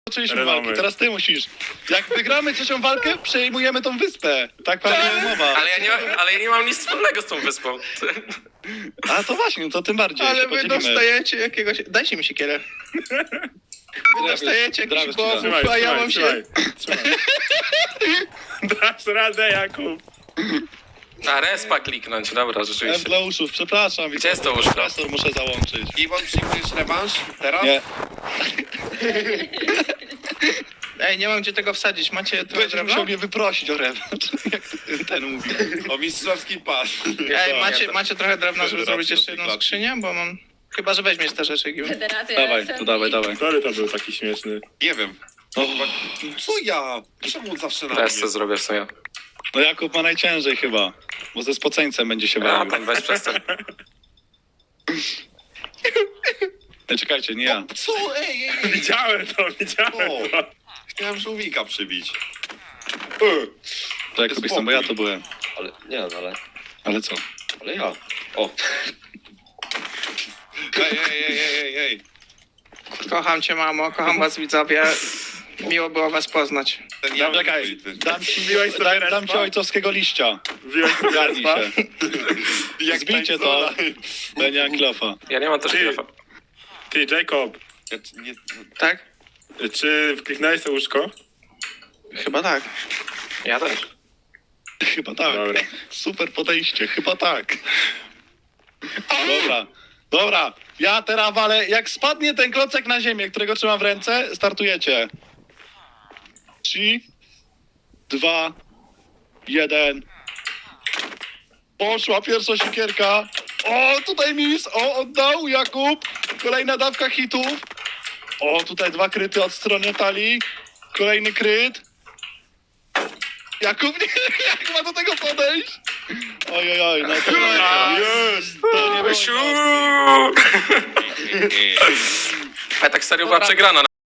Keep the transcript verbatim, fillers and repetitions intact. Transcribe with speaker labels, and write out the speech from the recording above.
Speaker 1: Zaczęliśmy
Speaker 2: Renamy.
Speaker 1: walki, teraz ty musisz. Jak wygramy trzecią walkę, przejmujemy tą wyspę. Tak pewnie umowa.
Speaker 3: Ale ja, nie ma, ale ja nie mam nic wspólnego z tą wyspą.
Speaker 1: A to właśnie, no to tym bardziej.
Speaker 4: Ale
Speaker 1: się
Speaker 4: wy
Speaker 1: podzielimy.
Speaker 4: dostajecie jakiegoś... Dajcie mi siekierę. Wy dostajecie
Speaker 1: Drabiec
Speaker 4: jakiś
Speaker 1: ci da.
Speaker 4: głowów,
Speaker 2: Trzymaj,
Speaker 4: a ja
Speaker 2: trzymaj,
Speaker 4: mam
Speaker 2: trzymaj,
Speaker 4: się...
Speaker 2: trzymaj. Dasz radę, Jakub.
Speaker 3: A respa kliknąć, dobra,
Speaker 1: F
Speaker 3: rzeczywiście.
Speaker 1: dla uszów, przepraszam.
Speaker 3: Gdzie jest to łóżko?
Speaker 1: Profesor muszę załączyć.
Speaker 5: Iwon, przyjmujesz rewanż teraz?
Speaker 1: Nie,
Speaker 4: Ej, nie mam gdzie tego wsadzić. Macie trochę
Speaker 1: będziesz
Speaker 4: drewna?
Speaker 1: musiał mnie wyprosić o rewanż. Jak ten mówi.
Speaker 5: O mistrzowski pas.
Speaker 4: Ej, macie, macie trochę drewna, żeby
Speaker 5: Federacja
Speaker 4: zrobić jeszcze jedną
Speaker 5: klatki.
Speaker 4: skrzynię? Bo mam... Chyba, że weźmiesz te rzeczy, Giu.
Speaker 6: Federacja.
Speaker 1: Dawaj, to dawaj, dawaj.
Speaker 2: Sorry, to był taki śmieszny.
Speaker 5: Nie wiem.
Speaker 1: O,
Speaker 5: Co ja? Czemu zawsze na
Speaker 3: Teraz
Speaker 5: mnie?
Speaker 3: co zrobię w sumie.
Speaker 1: no Jakub ma najciężej chyba. Bo ze spoceńcem będzie się
Speaker 3: A,
Speaker 1: bawił.
Speaker 3: pan weź przestań.
Speaker 1: Ej, czekajcie, nie ja.
Speaker 5: Co? Ej, ej, ej.
Speaker 2: Widziałem to, widziałem
Speaker 5: O.
Speaker 2: to.
Speaker 5: Chciałem żółwika przybić.
Speaker 1: To Jakub jestem, bo ja to byłem.
Speaker 5: Ale, nie no, ale...
Speaker 1: Ale co?
Speaker 5: Ale ja. O. Ej, ej, ej, ej, ej, ej.
Speaker 4: Kocham cię, mamo, kocham was, widzowie. Miło było was poznać.
Speaker 5: Ten ja
Speaker 1: Czekaj, dam ci,
Speaker 2: Wbiłeś sobie
Speaker 1: dam, dam
Speaker 2: respa?
Speaker 1: ci ojcowskiego liścia.
Speaker 2: Wbiłeś sobie
Speaker 1: Garnij
Speaker 2: respa?
Speaker 1: się.
Speaker 5: Jak
Speaker 1: Zbijcie to. Będzie Anklofa.
Speaker 3: Ja nie mam też
Speaker 2: Ty.
Speaker 3: telefa.
Speaker 2: Ty, Jacob,
Speaker 5: Ja, nie,
Speaker 4: Tak?
Speaker 2: czy wkliknąłeś to łóżko?
Speaker 4: Chyba tak.
Speaker 3: Ja też.
Speaker 1: Chyba tak.
Speaker 2: Dobra.
Speaker 1: Super podejście, chyba tak. Dobra, dobra. Ja teraz walę, jak spadnie ten klocek na ziemię, którego trzymam w ręce, startujecie. Trzy, dwa, jeden. Poszła pierwsza siekierka. O, tutaj mis. O, oddał Jakub. Kolejna dawka hitów. O, tutaj dwa kryty od strony talii. Kolejny kryt. Jakub, nie, jak ma do tego podejść? Oj, oj, oj, no to,
Speaker 2: Już!
Speaker 1: to nie było
Speaker 3: Siu! A tak serio była przegrana